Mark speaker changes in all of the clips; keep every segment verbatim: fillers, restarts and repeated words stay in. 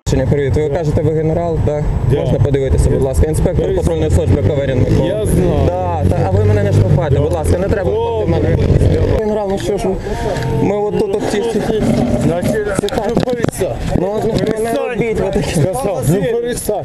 Speaker 1: Привіт, ви кажете, ви генерал, так?
Speaker 2: Да.
Speaker 1: Можна подивитися, будь ласка. Інспектор патрульної служби Каверін Микола.
Speaker 2: Я знаю.
Speaker 1: Да, та, а ви мене не штовхайте, будь ласка, не треба штовхати мене. Генерал, ну що ж, ми от тут от ті...
Speaker 2: Значить, ну перестань.
Speaker 1: Ну, ну, не робіть ви такі.
Speaker 2: Сказав, ну перестань.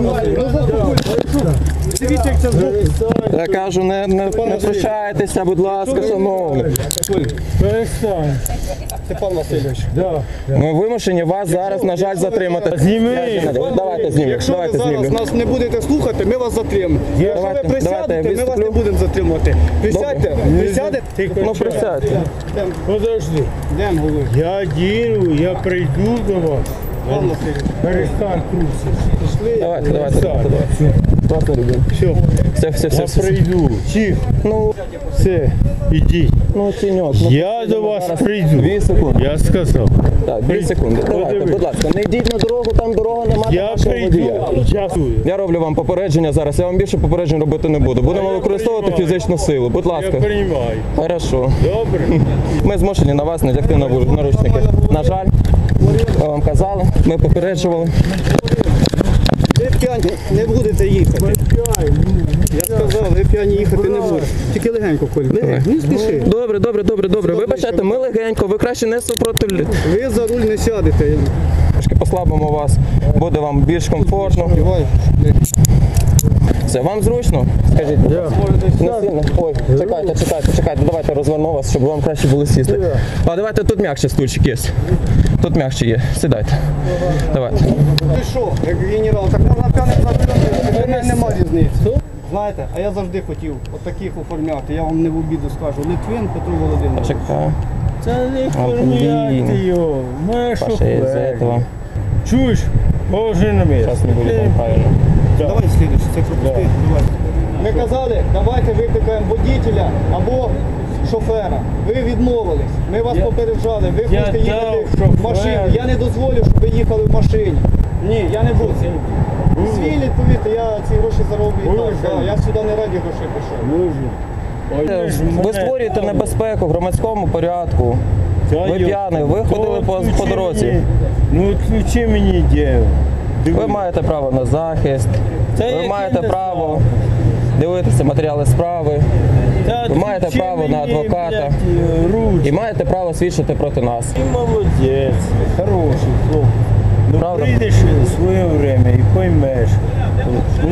Speaker 3: Дивіться, як це звук.
Speaker 1: Я кажу, не, не, не втручайтеся, будь ласка, шановні.
Speaker 2: Перестань.
Speaker 3: Степан Васильович.
Speaker 2: Да.
Speaker 1: Ми вимушені вас зараз, на жаль, затримати.
Speaker 2: Зніми.
Speaker 1: Давайте знімемо,
Speaker 3: Якщо ви
Speaker 1: давайте
Speaker 3: зараз
Speaker 1: знімемо.
Speaker 3: нас не будете слухати, ми вас затримаємо. Якщо ви
Speaker 1: Давайте,
Speaker 3: присядете,
Speaker 1: давайте,
Speaker 3: ми вас не
Speaker 1: виступлю.
Speaker 3: будемо затримувати. Присядьте, присядете.
Speaker 1: Ну, присядьте.
Speaker 2: Подожди.
Speaker 3: Йдемо, говорю.
Speaker 2: Я ділю, я прийду до вас.
Speaker 3: Степан Васильович.
Speaker 2: Перестань трусити.
Speaker 1: Давайте, давайте, давайте. Класно, ребят.
Speaker 2: Все,
Speaker 1: Все, все, все,
Speaker 2: я
Speaker 1: все.
Speaker 2: прийду. Тихо.
Speaker 1: Ну,
Speaker 2: Все, ідіть.
Speaker 1: ну, тіньок. Ну,
Speaker 2: Я до вас
Speaker 1: зараз
Speaker 2: прийду.
Speaker 1: Дві секунди.
Speaker 2: Я сказав.
Speaker 1: Так, дві секунди. Давайте,
Speaker 2: Подивись.
Speaker 1: будь ласка, не йдіть на дорогу, там дорога нема до
Speaker 2: Я
Speaker 1: вашого водія.
Speaker 2: прийду. Дякую.
Speaker 1: Я роблю вам попередження зараз, я вам більше попереджень робити не буду. Будемо
Speaker 2: я
Speaker 1: використовувати
Speaker 2: приймаю.
Speaker 1: фізичну силу, будь
Speaker 2: Я
Speaker 1: ласка.
Speaker 2: приймаю.
Speaker 1: Хорошо.
Speaker 2: Добре?
Speaker 1: Ми змушені на вас надягти на наручники. На жаль, ми вам казали, ми попереджували.
Speaker 3: Ви п'яні не будете їхати. Я сказав, ви п'яні їхати не будете. Тільки легенько, Коль. Легенько, не спіши.
Speaker 1: Добре, добре, добре, добре. Вибачайте, ми легенько, ви краще не супротивляйте.
Speaker 3: Ви за руль не сядете.
Speaker 1: Трошки послабимо вас, буде вам більш комфортно.
Speaker 3: Давай.
Speaker 1: Все, вам зручно? Скажіть, будь ласка. Не сильно? Ой, чекайте, чекайте, чекайте, давайте розверну вас, щоб вам краще було сісти. А давайте тут м'якше стульчик є. Тут м'якше є. Сідайте. Давайте.
Speaker 3: Ти що, як генерал, так можна п'яним за рулем, для мене нема різниці. Знаєте, а я завжди хотів от таких оформляти, я вам не в обіду скажу. Литвин Петро Володимирович.
Speaker 1: Чекаю.
Speaker 2: Це не
Speaker 1: А, блін.
Speaker 2: формуляти його. Маєш
Speaker 1: Паша, из-за
Speaker 2: шофер.
Speaker 1: этого.
Speaker 2: Чуєш? Положи на місце.
Speaker 1: Зараз не буде вам правильно.
Speaker 3: Давай слідуючий, це пропусти. Давай. Ми казали, давайте викликаємо водителя або шофера. Ви відмовились. Ми вас
Speaker 2: Я-
Speaker 3: попереджали. Ви
Speaker 2: Я
Speaker 3: хочете їхати
Speaker 2: дав
Speaker 3: в машині.
Speaker 2: шофера.
Speaker 3: Я не дозволю, щоб ви їхали в машині. Ні, я не буду. Звільніть, повірте, я ці гроші зароблю і так.
Speaker 2: Боже.
Speaker 3: Да, я сюди не раді грошей пішов.
Speaker 2: Дуже. Ой, ж
Speaker 1: Ви
Speaker 2: мене
Speaker 1: створюєте
Speaker 2: там.
Speaker 1: небезпеку в громадському порядку.
Speaker 2: Та
Speaker 1: Ви
Speaker 2: йо,
Speaker 1: п'яний, ви
Speaker 2: то
Speaker 1: ходили по,
Speaker 2: відключи
Speaker 1: по дорозі.
Speaker 2: мені. Ну відключи мені діло.
Speaker 1: Ви маєте право на захист,
Speaker 2: Та
Speaker 1: ви
Speaker 2: яке
Speaker 1: маєте
Speaker 2: не
Speaker 1: право дивитися матеріали справи ви маєте право на адвоката. і маєте право свідчити проти нас.
Speaker 2: Ти молодець, хороший хлопець. Ну
Speaker 1: Правда?
Speaker 2: прийдеш в своє время і поймеш.